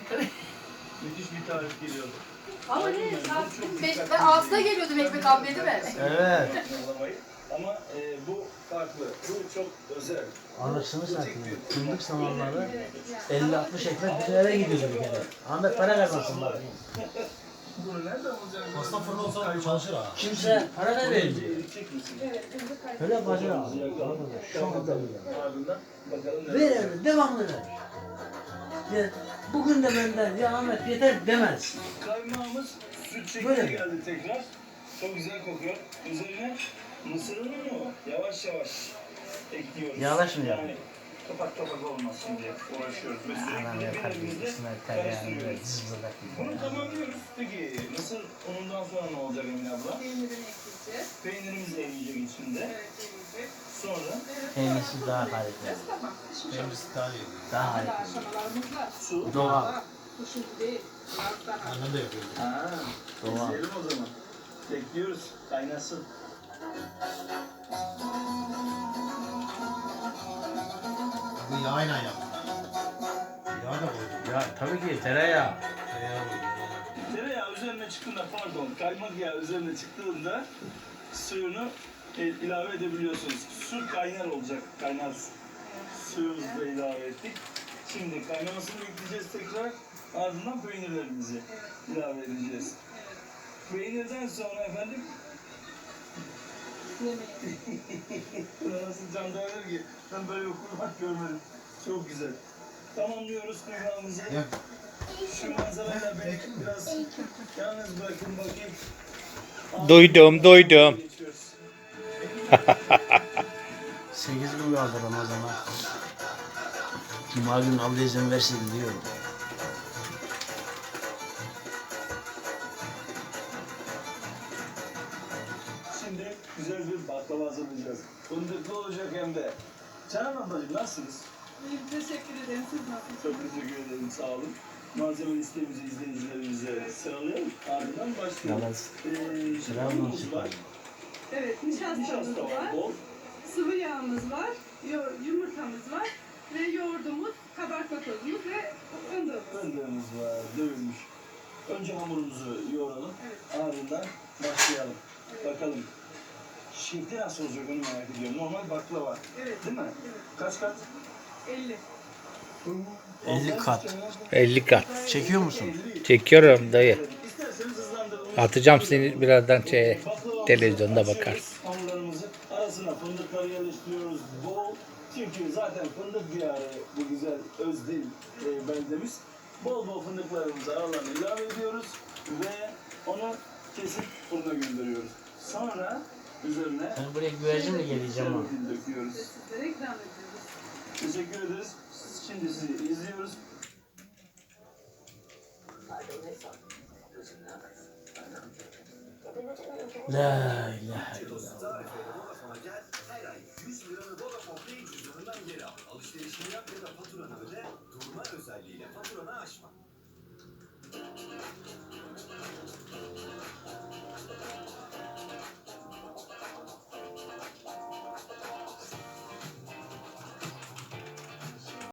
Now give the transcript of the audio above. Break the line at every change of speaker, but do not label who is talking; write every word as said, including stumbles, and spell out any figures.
Müthiş bir tarif geliyordu.
Ama ne? Saat ben altıda geliyordum ekmek almaya değil mi?
Evet.
Ama e, bu farklı. Bu çok özel.
Anasını satayım. Fındık zamanları elli altmış ekmek bir eve gidiyordu bir kere. Ahmet para kazansın bak.
Bunu nereden bulacağız?
Pasta fırını olsa çalışır ha.
Kimse para da vermiyor.
Eritecek misin?
Öyle bacı abi. Şu anda bile.
Ardından bakalım
Ver öyle, devamlı ver. Ya, bugün de benden ya Ahmet yeter demez.
Kaymağımız süt şekline
Böyle mi?
geldi tekrar. Çok güzel kokuyor. Üzerine mısır ununu yavaş yavaş ekliyoruz.
Yavaş mı ya?
Yani kapak kapak olmaz şimdi. Uğraşıyoruz ve
Anam
sürekli
ya
bir
kardeşim
elimizde
üstüne tereyağını böyle
karıştırıyoruz.
zızladak
Bunu
gibi.
tamamlıyoruz. Peki mısır unundan sonra ne olacak Emine abla?
Peynirini ekleyeceğiz.
Peynirimiz eriyecek içinde.
Evet, eriyecek.
Sonra
Peynirsiz daha harika.
Tamam. Pişmiş
Benim
olsun.
daha iyi.
Daha
Hala
harika.
aşamalarımız var.
su.
Doğal.
Daha bu şimdi değil. Biraz daha.
Annem de yapıyor.
Ha,
Doğal.
izleyelim o zaman. Bekliyoruz. Kaynasın.
Bu yağıyla yaptım. Yağ da koydum.
Ya tabii ki tereyağı.
Tereyağı koydum.
Tereyağı üzerine çıktığında, pardon, kaymak yağı üzerine çıktığında suyunu e, ilave edebiliyorsunuz. Su kaynar olacak, kaynar su. Suyumuzu da ilave ettik. Şimdi kaynamasını bekleyeceğiz tekrar. Ardından peynirlerimizi ilave edeceğiz. Peynirden sonra efendim buna nasıl can dayanır ki? Ben böyle bir kurban görmedim. Çok güzel. Tamamlıyoruz kurbağamızı.
Ya,
Şu manzarayla beni biraz yalnız bırakın bakayım.
Duydum, duydum.
Geçiyoruz.
sekiz gün kaldı Ramazan'a. Cuma günü Allah izin versin diyorum.
Şimdi güzel bir baklava hazırlayacağız. Fındıklı olacak hem de. Canan ablacığım nasılsınız?
İyiyim, teşekkür ederim. Siz nasılsınız?
Çok teşekkür ederim, sağ olun. Malzeme listemizi izleyicilerimize sıralayalım. Ardından başlayalım.
Yalnız
Ee,
selam
unumuz
olsun.
var,
Evet, nişastamız
nişasta var,
var,
bol.
sıvı yağımız var, yo- yumurtamız var ve yoğurdumuz, kabartma tozumuz ve fındığımız.
Fındığımız var, dövülmüş. Önce hamurumuzu yoğuralım, ardından başlayalım. Bakalım. Şekli nasıl olacak onu merak ediyorum. Normal baklava,
Evet,
değil mi?
evet.
Kaç kat?
elli.
elli kat.
elli kat.
Çekiyor musun?
Çekiyorum dayı.
İsterseniz hızlandırılmış.
Atacağım seni birazdan şeye, televizyonda bakarsın.
Hamurlarımızı arasına fındıkları yerleştiriyoruz bol. Çünkü zaten fındık diyarı bu güzel Özdil e, beldemiz. Bol bol fındıklarımızı aralarına ilave ediyoruz ve onu kesip fırına gönderiyoruz. Sonra üzerine
Ben buraya güvercin mi geleceğim ama?
şerbetini döküyoruz.
Sizlere ikram ediyoruz.
Teşekkür ederiz. Şimdi sizi izliyoruz.
La ilahe illallah.
Vodafone'a gel, her ay yüz liranı Vodafone Pay cüzdanından geri al. Alışverişini yap ya da faturanı öde, durma özelliğiyle faturanı aşma.